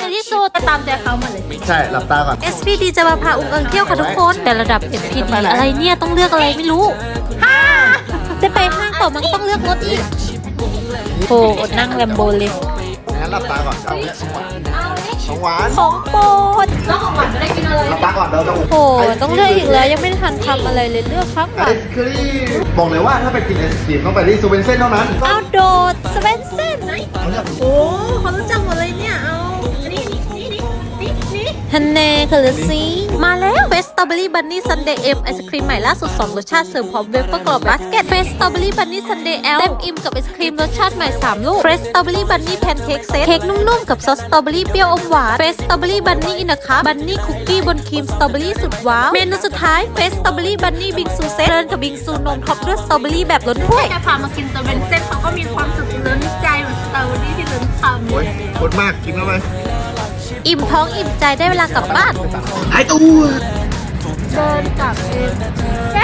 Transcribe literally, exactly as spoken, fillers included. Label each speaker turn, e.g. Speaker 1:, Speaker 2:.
Speaker 1: ที่สุดตามใจเขามาเลย
Speaker 2: ใช่หลับตาก่อน
Speaker 1: เอส พี ดี จะมาพาอุ้งเอิงเที่ยวค่ะทุกคน แต่ระดับ เอส พี ดี อะไรเนี่ยต้องเลือกอะไรไม่รู้จะไปห้างต่อมันก็ต้องเลือกรถอีกโอ้อดนั่งแลมโบเลย
Speaker 2: งั้นหลับตาก่อนเอาเนี่ยของหวาน
Speaker 1: ของโปรด
Speaker 2: หลับตาก่อนเราจะ
Speaker 1: โอ้ต้องเลือกอีกแล้วยังไม่ทันทำอะไรเลยเลือกครับ
Speaker 2: ไอศครีมบอกเลยว่าถ้าไปกินไอศครีมต้องไปที่ซูเวนเซ่นเท่านั้น
Speaker 1: เอาโดดสเวนเซ่นโอ้เขารู้จักหมดเลยเนี่ยเอาอันนี้นี่นี่นี่นี่ฮันเน่คาร์ซีมาแล้วเฟสสตรอเบอรี่บันนี่ซันเดย์เอ็มไอศครีมใหม่ล่าสุดสองรสชาติเสริมพร้อมเวเฟอร์กรอบบาสเกตเฟสสตรอเบอรี่บันนี่ซันเดย์แอลเต็มอิ่มกับไอศครีมรสชาติใหม่สามลูกเฟสสตรอเบอรี่บันนี่แพนเค้กเซตเค้กนุ่มๆกับซอสสตรอเบอรี่เปรี้ยวอมหวานเฟสสตรอเบอรี่บันนี่อินนะคะบันนี่คุกกี้บนครีมสตรอเบอรี่สุดว้าวเมนูสุดท้ายเฟสสตรอเบอรี่บันนี่บิงซูเซตเดินกับบิงซูนมท็อปด้วยสตรอเบอรี่แบบล้นถ้วยแค่พามากินสเวนเซ่นเขาก็มีความสุขล้นใจเหมือนสตรอเบอรี่ที่ล้นคำ
Speaker 2: โอ้ยโคตรมากกินเข้าไป
Speaker 1: อิ่มท้องอิ่มใจได้เวลากลับบ้าน
Speaker 2: ไอตู้
Speaker 1: เดินกลับเองแค่